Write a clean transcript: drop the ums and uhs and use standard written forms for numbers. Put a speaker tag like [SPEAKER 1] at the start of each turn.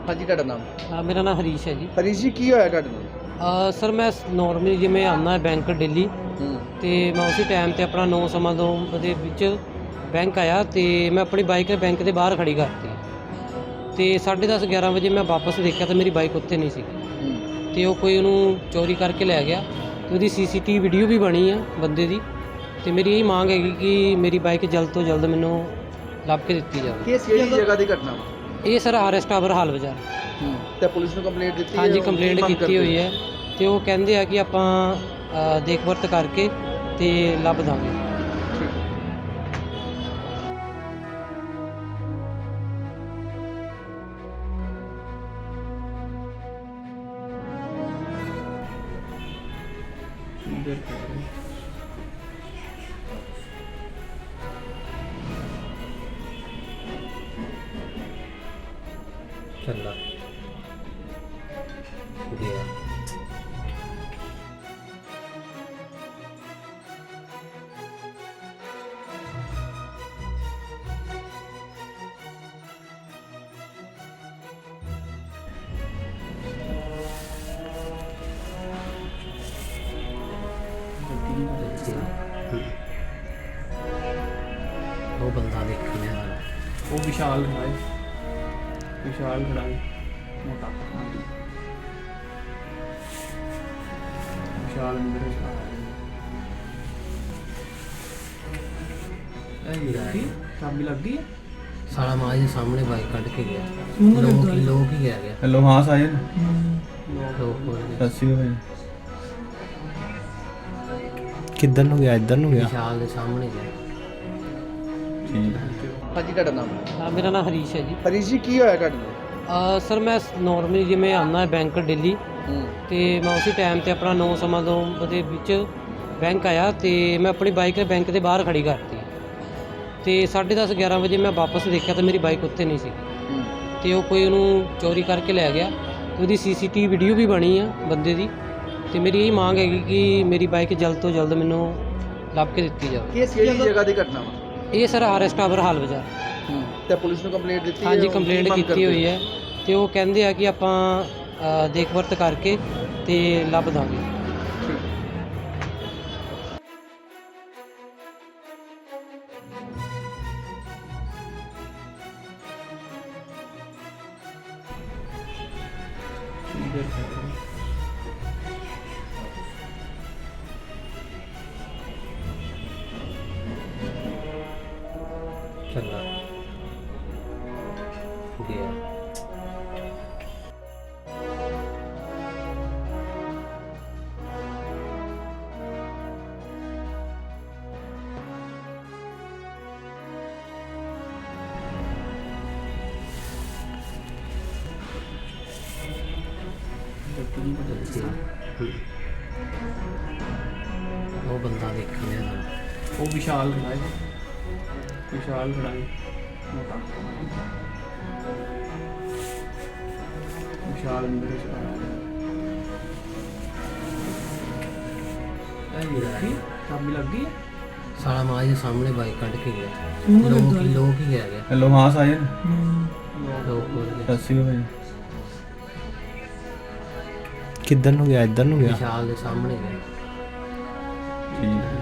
[SPEAKER 1] ਹਾਂਜੀ ਤੁਹਾਡਾ ਨਾਮ?
[SPEAKER 2] ਮੇਰਾ ਨਾਮ ਹਰੀਸ਼ ਹੈ ਜੀ।
[SPEAKER 1] ਹਰੀਸ਼ ਜੀ ਕੀ ਹੋਇਆ ਤੁਹਾਡੇ ਨਾਲ?
[SPEAKER 2] ਸਰ ਮੈਂ ਨੋਰਮਲੀ ਜਿਵੇਂ ਆਉਂਦਾ ਬੈਂਕ ਡੇਲੀ
[SPEAKER 1] ਹੂੰ
[SPEAKER 2] ਤੇ ਮੈਂ ਉਸੇ ਟਾਈਮ ਤੇ ਆਪਣਾ 9:02 ਦੇ ਵਿੱਚ ਬੈਂਕ ਆਇਆ ਤੇ ਮੈਂ ਆਪਣੀ ਬਾਈਕ ਬੈਂਕ ਦੇ ਬਾਹਰ ਖੜੀ ਕਰਤੀ ਤੇ 10:30 11 ਵਜੇ ਮੈਂ ਵਾਪਸ ਦੇਖਿਆ ਤਾਂ ਮੇਰੀ ਬਾਈਕ ਉੱਥੇ ਨਹੀਂ ਸੀ
[SPEAKER 1] ਹੂੰ
[SPEAKER 2] ਤੇ ਉਹ ਕੋਈ ਉਹਨੂੰ ਚੋਰੀ ਕਰਕੇ ਲੈ ਗਿਆ ਤੇ ਉਹਦੀ ਸੀਸੀਟੀਵੀ ਵੀਡੀਓ ਵੀ ਬਣੀ ਆ ਬੰਦੇ ਦੀ ਤੇ ਮੇਰੀ ਇਹ ਮੰਗ ਹੈਗੀ ਕਿ ਮੇਰੀ ਬਾਈਕ ਜਲਦ ਤੋਂ ਜਲਦ ਮੈਨੂੰ ਲੱਭ ਕੇ ਦਿੱਤੀ ਜਾਵੇ।
[SPEAKER 1] ਕਿਹੜੀ ਜਗ੍ਹਾ ਦੀ ਘਟਨਾ ਵਾ?
[SPEAKER 2] ਇਹ ਸਰ RS ਟਾਵਰ ਹਾਲ ਬਾਜ਼ਾਰ।
[SPEAKER 1] ਤੇ ਪੁਲਿਸ ਨੂੰ ਕੰਪਲੇਂਟ ਦਿੱਤੀ?
[SPEAKER 2] ਹਾਂਜੀ ਕੰਪਲੇਂਟ ਕੀਤੀ ਹੋਈ ਹੈ ਤੇ ਉਹ ਕਹਿੰਦੇ ਆ ਕਿ ਆਪਾਂ ਦੇਖ ਵਰਤ ਕਰਕੇ ਤੇ ਲੱਭ ਦਾਂਗੇ। ਚੱਲਾ ਗਿਆ ਉਹ ਬੰਦਾ ਦੇਖਿਆ
[SPEAKER 3] ਉਹ ਵਿਸ਼ਾਲ ਖੜਾ ਹੈ, ਵਿਸ਼ਾਲ ਖੜਾ ਹੈ ਮੋਟਾ ਵਿਸ਼ਾਲ ਅੰਦਰ ਚਾਬੀ ਲੱਗ ਗਈ ਹੈ।
[SPEAKER 2] ਸਾਲਾ ਮਾਂ ਦੇ ਸਾਹਮਣੇ ਬਾਈਕ ਕੱਢ ਕੇ ਗਿਆ। ਲੋਕ ਹੀ ਗਿਆ
[SPEAKER 4] हेलो हाँ साहिल
[SPEAKER 2] ਲੋਕ ਹੋ ਗਏ।
[SPEAKER 4] सत श्री अकाल
[SPEAKER 5] ਕਿੱਧਰ ਨੂੰ ਗਿਆ? ਇੱਧਰ ਨੂੰ ਗਿਆ।
[SPEAKER 2] ਵਿਸ਼ਾਲ ਦੇ ਸਾਹਮਣੇ ਗਿਆ।
[SPEAKER 4] ठीक
[SPEAKER 1] ਹਾਂਜੀ ਤੁਹਾਡਾ ਨਾਮ?
[SPEAKER 2] ਮੇਰਾ ਨਾਮ ਹਰੀਸ਼ ਹੈ ਜੀ।
[SPEAKER 1] ਹਰੀਸ਼ ਜੀ ਕੀ ਹੋਇਆ ਤੁਹਾਡੇ ਨਾਲ?
[SPEAKER 2] ਸਰ ਮੈਂ ਨੋਰਮਲੀ ਜਿਵੇਂ ਆਉਂਦਾ ਬੈਂਕ ਡੇਲੀ
[SPEAKER 1] ਹੂੰ
[SPEAKER 2] ਤੇ ਮੈਂ ਉਸੇ ਟਾਈਮ ਤੇ ਆਪਣਾ 9:02 ਦੇ ਵਿੱਚ ਬੈਂਕ ਆਇਆ ਤੇ ਮੈਂ ਆਪਣੀ ਬਾਈਕ ਬੈਂਕ ਦੇ ਬਾਹਰ ਖੜੀ ਕਰਤੀ ਤੇ 10:30 11 ਵਜੇ ਮੈਂ ਵਾਪਸ ਦੇਖਿਆ ਤਾਂ ਮੇਰੀ ਬਾਈਕ ਉੱਥੇ ਨਹੀਂ ਸੀ
[SPEAKER 1] ਹੂੰ
[SPEAKER 2] ਤੇ ਉਹ ਕੋਈ ਉਹਨੂੰ ਚੋਰੀ ਕਰਕੇ ਲੈ ਗਿਆ ਤੇ ਉਹਦੀ ਸੀਸੀਟੀਵੀ ਵੀਡੀਓ ਵੀ ਬਣੀ ਆ ਬੰਦੇ ਦੀ ਤੇ ਮੇਰੀ ਇਹ ਮੰਗ ਹੈਗੀ ਕਿ ਮੇਰੀ ਬਾਈਕ ਜਲਦ ਤੋਂ ਜਲਦ ਮੈਨੂੰ ਲੱਭ ਕੇ ਦਿੱਤੀ ਜਾਵੇ।
[SPEAKER 1] ਕਿਹੜੀ ਜਗ੍ਹਾ ਦੀ ਘਟਨਾ ਵਾ?
[SPEAKER 2] ਇਹ ਸਰ RS ਟਾਵਰ ਹਾਲ ਬਾਜ਼ਾਰ।
[SPEAKER 1] ਤੇ ਪੁਲਿਸ ਨੂੰ ਕੰਪਲੇਂਟ ਦਿੱਤੀ?
[SPEAKER 2] ਹਾਂਜੀ ਕੰਪਲੇਂਟ ਕੀਤੀ ਹੋਈ ਹੈ ਤੇ ਉਹ ਕਹਿੰਦੇ ਆ ਕਿ ਆਪਾਂ ਦੇਖ ਵਰਤ ਕਰਕੇ ਤੇ ਲੱਭ ਦਾਂਗੇ। ਚੱਲਾ ਗਿਆ ਉਹ ਬੰਦਾ ਦੇਖਿਆ
[SPEAKER 3] ਉਹ ਵਿਸ਼ਾਲ ਖੜਾ ਹੈ, ਵਿਸ਼ਾਲ ਖੜਾ ਹੈ ਮੋਟਾ ਵਿਸ਼ਾਲ ਅੰਦਰ ਚਾਬੀ ਲੱਗ ਗਈ ਹੈ।
[SPEAKER 2] ਸਾਲਾ ਮਾਂ ਦੇ ਸਾਹਮਣੇ ਬਾਈਕ ਕੱਢ ਕੇ ਗਿਆ। ਲੋਕ ਹੀ ਗਿਆ
[SPEAKER 4] हेलो हाँ साहिल
[SPEAKER 2] ਲੋਕ ਹੋ ਗਏ।
[SPEAKER 4] सत श्री अकाल
[SPEAKER 5] ਕਿੱਧਰ ਨੂੰ ਗਿਆ? ਇੱਧਰ ਨੂੰ ਗਿਆ।
[SPEAKER 2] ਵਿਸ਼ਾਲ ਦੇ ਸਾਹਮਣੇ ਗਿਆ।
[SPEAKER 4] ठीक